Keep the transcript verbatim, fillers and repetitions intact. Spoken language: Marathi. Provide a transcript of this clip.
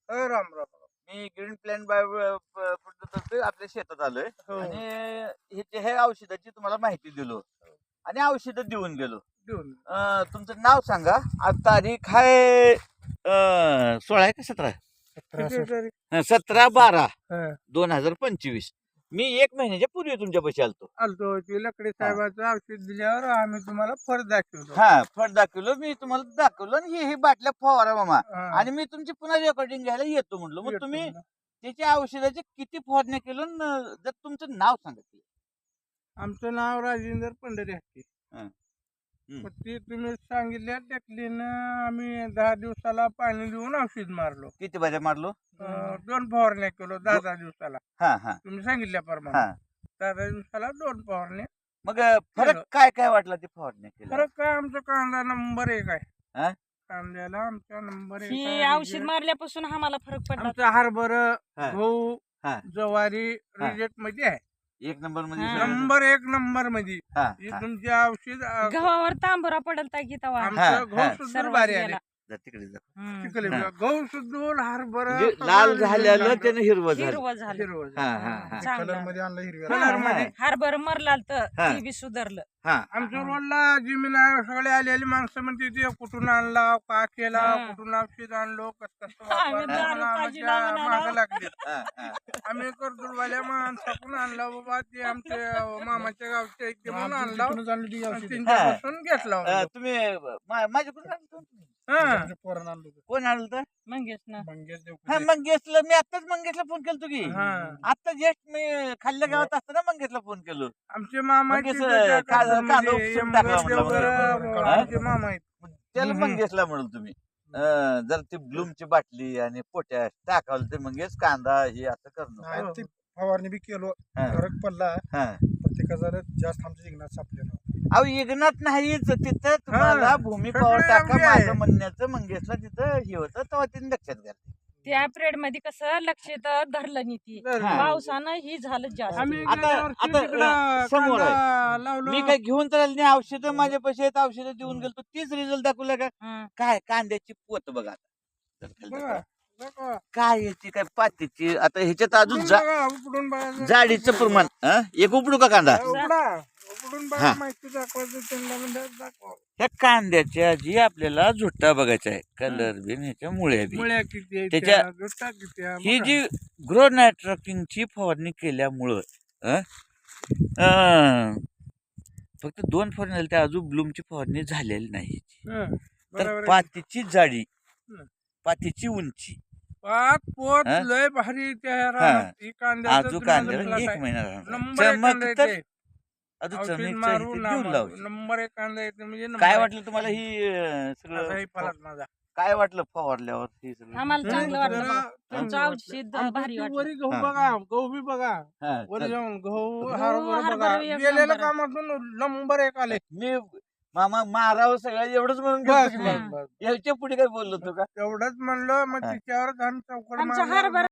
हो, राम राम. मी ग्रीन प्लॅन बाय तर्फे आपल्या शेतात आलोय हो. आणि ह्याचे हे औषधाची तुम्हाला माहिती दिलो आणि औषधं देऊन गेलो. देऊन. अं, तुमचं नाव सांगा. आज तारीख आहे अं, सोळा आहे का सतरा किती तारीख? हं, सतरा बारा हं. दोन हजार पंचवीस. मी एक महिन्याच्या पूर्वी तुमच्या पैसे आलतो. आलतो ते लकडे साहेबाचं औषध दिल्यावर आम्ही तुम्हाला फरक दाखवतो. हा फळ दाखवलं मी तुम्हाला दाखवलं आणि ही ही बाटल्या फवारा मामा. हा. आणि मी तुमची पुन्हा रेकॉर्डिंग घ्यायला येतो म्हणलो. मग येतो तुम्ही म्हणलं. त्याच्या औषधाचे किती फवारण्या केलं न जर तुमचं नाव सांगा की. आमचं नाव राजेंद्र पंढरी हत्ती. हं. हं. मग ते तुम्ही सांगितल्या टेकलीनं आम्ही दहा दिवसाला पाणी देऊन औषध मारलो. किती बाजा मारलो? अं, दोन फवारण्या केलो दहा दहा दिवसाला. हा हा तुम्ही सांगितल्याप्रमाणे हा दहा दहा दिवसाला दोन फवारण्या. मग अं, फरक केलं. काय काय वाटला ते फवारण्या केल्या? फरक काय आमचा कांदा नंबर एक हा? आहे. कांद्याला आमचा नंबर एक ही आहे. औषध मारल्यापासून आम्हाला फरक पडला. आमचा हरभर हा. गहू हा. ज्वारी हा. रिजेक्ट मध्ये आहे. एक नंबर मध्ये हा. सगळं- नंबर एक नंबर मध्ये हा, हे हा. तुमचे औषध अं, गव्हावर तांबुरा पडलता की तवा हा, आमचं हा. गहू सुद्धा सर्व भारी गेला. आले. जा तिकडे जा. हम्म. चिखली हा. गहू सुद्धा हरभर म्हणजे लाल झालेलं त्यानं हिरवं झालं. हिरवं झालं. हिरवं हा हा हा चांगलं. आणलं हिरव्या हा, कलर हा. मध्ये. हरभर मरलाल तर हा. ते बी सुधारलं. हा आमच्या रोडला जमीन आहे सगळे आलेली माणसं म्हणते ते कुठून आणला का केला हा. कुठून औषध आणलो कस कसं आम्ही वापरलं दारू म्हणून पाजी आम्हाला लावून मागं आलो. लागले. हा, हा. आम्ही कर्दूरवाल्या माणसाकडून आणला बाबा ते आमचे मामाच्या गावचे आहेत ते म्हणून आणला आणि त्यांच्यापासून घेतला अं, म्हणलो. तुम्ही मा- माझ्याकडून आणलं होतं? हा. कोण आणलं होतं? मंगेश ना हा मंगेशला मी आताच मंगेशला फोन केलतो की. हा. आता जस्ट मी खाल्ल्या गावात असताना मंगेशला फोन केलो. आमचे मामा आहेत मंगेश, तिकडच्या काल- काल कर्दूरमध्ये. उपसून टाकला एमगर म्हणलं देवगर, मंगेश. आमचे मामा आहेत. त्याला हम्म. मंगेशला म्हणून तुम्ही अं, जर ती ब्लूमची बाटली आणि पोटॅश टाकावलं ते मंगेश कांदा हे असं करणं. नाही, ती फवारणी बी केलो हा. फरक पडला हा. प्रत्येकाचा जास्त आमच्या जिंकण्यात सापलेला अहो इग्नात नाहीच तिथं तुम्हाला भूमी सगळे पॉवर टाका योग्य आहे. माझं म्हणण्याचं मंगेशला तिथं हे होतं तेव्हा तिने लक्षात घातलं. त्या पिरियड मध्ये कसं लक्षात धरलं नाही ती धरलं. पावसानं ही झालं जास्त. आम्ही आता- गेल्या वर्षी आता, तिकडं अं, समोर आहे. कांदा लावलो. मी काय घेऊन तर आले नाही औषधं माझे पैसे आहेत औषधं देऊन गेलो तीच रिझल्ट दाखवला का हं. काय कांद्याची पोत बघा आता. जर खाली बघा, दाखवा. बघा. काय याची काय पातीची आता ह्याच्यात अजून उपडून जा- बघा, उपडून बघा. जाडीचं प्रमाण हं? एक उपडू का कांदा उपडा. उपडून बघा, हा. माहिती दाखवायचं त्यांना म्हणजे दाखवा. ह्या कांद्याच्या जी आपल्याला झुट्टा बघायचा आहे कलर बिन ह्याच्या मुळ्या बी मुळ्या किती आहेत त्याच्या- त्या, गोष्टा किती आहे, ही बघा. जी ग्रो नायट्रोकिंगची फवारणी केल्यामुळं हं? अं, फक्त दोन फवारणी झाली त्या अजून ब्लूमची फवारणी झालेली नाही हं, तर बरोबर आहे. पातीची जाडी हं. पातीची उंची पाच पोत हा? लय भारी त्या रानात. ही कांद्याचं आजू तुम्ही कांद्याला बघितलं एक काय? महिना राहणार. नंबर एक कांदा चमक तर येते. अजून औषध चमकचं मारू इथे ना देऊन मारू. लावू. नंबर एक कांदा येते म्हणजे नंबर काय एक. वाटलं तुम्हाला ही अं, असा सगळं ही फलाट माझा. काय वाटलं फवारल्यावर हे सगळं आम्हाला हं, चांगलं वाटलं जरा बघा. चांगलं तुमचं वाटलं. औषध आमचं भारी ते वाटलं. वरी गहू हा. बघा गहू बी बघा हा, वर चल. जाऊन गहू गहू, हरभरा हरभरा बघा एक गेलेल्या नंबर आहे. कामातून नंबर एक आले. मी मामा मारावं सगळं एवढंच म्हणून बस गेलतो की बस मी. बस याच्या पुढे काय बोललो होतो का तेवढंच म्हणलं मग हा. तिच्यावरच आम्ही चौकड आमच्या मारला. हरभरा